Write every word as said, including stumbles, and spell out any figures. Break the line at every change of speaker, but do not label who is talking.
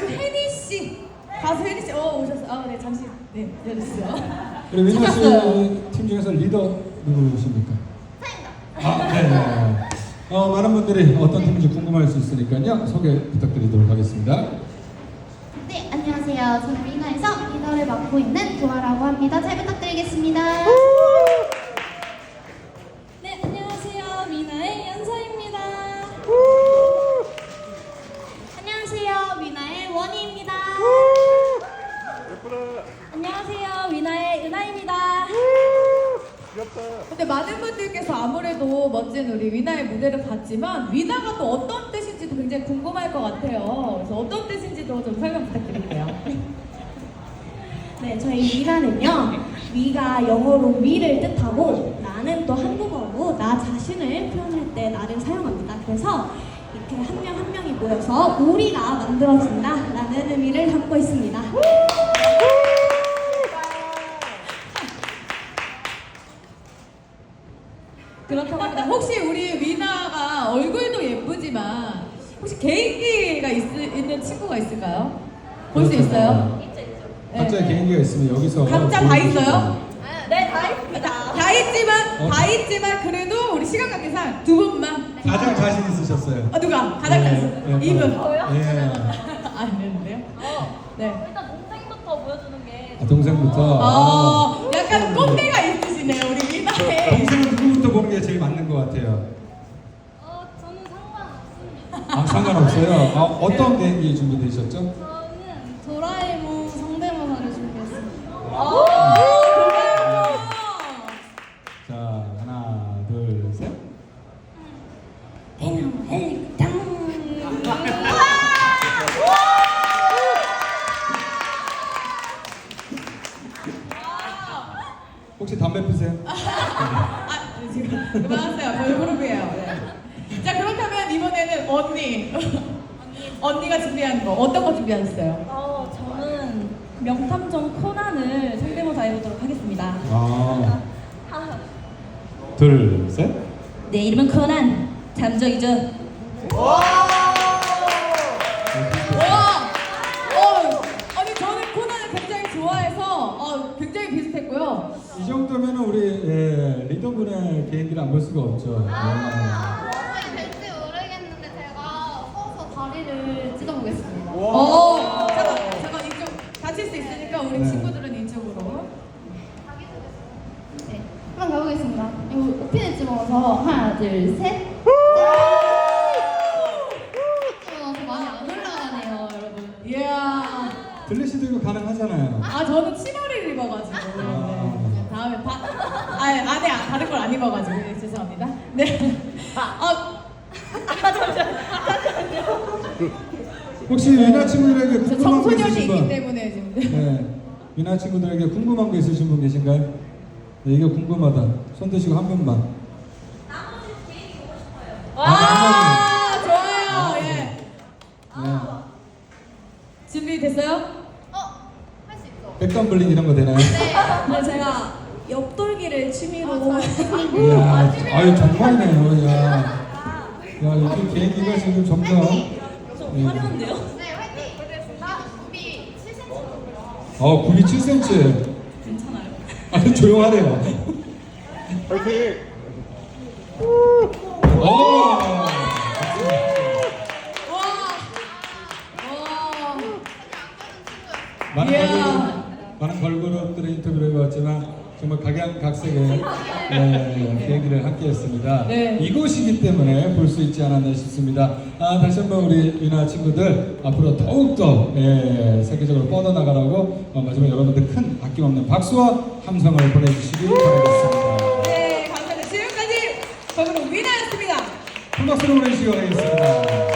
가수 혜니 씨, 가수 혜니 씨, 어 오셨어요. 아, 네 잠시 네 내렸어요.
그리고 민호 씨팀 중에서 리더 누구십니까? 아, 네. 네. 어, 많은 분들이 어떤 팀인지 궁금할 수 있으니까요. 소개 부탁드리도록 하겠습니다.
네, 안녕하세요. 저는 위너에서 리더를 맡고 있는 도아라고 합니다. 잘 부탁드리겠습니다.
네, 안녕하세요. 위나의 연서입니다.
안녕하세요. 위너의 원희입니다.
안녕하세요. 위나의 은하입니다.
근데 많은 분들께서 아무래도 멋진 우리 위나의 무대를 봤지만 위나가 또 어떤 뜻인지도 굉장히 궁금할 것 같아요. 그래서 어떤 뜻인지도 좀 설명 부탁드릴게요.
네, 저희 위나는요. 위가 영어로 위를 뜻하고 나는 또 한국어로 나 자신을 표현할 때 나를 사용합니다. 그래서 이렇게 한 명 한 명이 모여서 우리가 만들어진다 라는 의미를 담고 있습니다.
그렇다고 합니다. 혹시 우리 위나가 얼굴도 예쁘지만 혹시 개인기가 있, 있는 친구가 있을까요? 볼 수 있어요?
각자
네.
개인기가 있으면 여기서
각자 다 있어요?
네, 다 있습니다.
다, 다 있지만
어?
다 있지만 그래도 우리 시간 관계상 두 분만.
가장 자신 있으셨어요.
아 누가? 가장
네,
잘했어.
네,
이분.
저요?
예.
아니는데요? 네.
일단 동생부터 보여주는 게
아, 동생부터.
어, 약간 꼰대가 있으시네요 우리 위나에.
동생은 누구부터 보는 게 제일 맞는 것 같아요.
어, 저는 상관없습니다.
아, 상관없어요. 아, 어떤 개인기 준비되셨죠?
저는 도라에몽 성대모사를 준비했습니다.
오, 그래요.
자, 하나, 둘, 셋. 혹시 담배 피세요?
아 지금 그만하세요. 걸그룹이에요. 네. 자 그렇다면 이번에는 언니. 언니가 준비한 거 어떤 거 준비하셨어요?
어, 저는 명탐정 코난을 성대모사 해보도록 하겠습니다.
아, 둘, 셋.
내 이름은 코난, 탐정이죠.
와! 어, 아니 저는 코난을 굉장히 좋아해서 어, 굉장히 비슷했고요.
이 정도면 우리 예, 리더분의 개인기를 안 볼 수가 없죠.
아, 될지 모르겠는데 제가 서서 다리를 찢어보겠습니다.
어, 잠깐, 잠깐 이쪽 다칠 수 있으니까 우리
네.
친구들은 이쪽으로.
네, 한번 가보겠습니다. 이거 오핀을 집어서 하나, 둘, 셋. 집어넣어서 많이 안 올라가네요, 여러분.
이야.
들리 씨도 이거 가능하잖아요.
아 저는 치마를 입어가지고. 네. 다음에 바, 아 안에 다른 걸 안 입어가지고 네, 죄송합니다. 네. 아,
혹시 위나 친구들에게
저
궁금한 거
청소년이
있으신
있기
분?
때문에 지금.
네. 위나 친구들에게 궁금한 거 있으신 분 계신가요? 네, 이게 궁금하다. 손 드시고 한 분만.
아, 좋아요. 예.
네.
준비됐어요?
어, 할 수 있어.
백덤블링 이런 거 되나요?
네, 제가 옆돌기를 취미로
이야, 아유 정말이네요. 야, 야 요즘 개인기가 지금 점점.
좀 화려한데요?
네, 화이팅! 나 굽이 칠 센티미터.
어, 굽이 칠 센티미터.
괜찮아요.
아주 조용하네요.
파이팅!
오.
와. 와.
많은
이야.
걸그룹, 많은 걸그룹들의 인터뷰를 해봤지만 정말 각양각색의 네, 개인기를 함께했습니다.
네.
이곳이기 때문에 볼 수 있지 않았나 싶습니다. 아, 다시 한번 우리 위나 친구들 앞으로 더욱더 예, 세계적으로 뻗어나가라고 어, 마지막 여러분들 큰 아낌없는 박수와 함성을 보내주시기 바라겠습니다.
네, 감사합니다. 지금까지 저는 위나였습니다.
큰 박수로 보내주시기 바라겠습니다.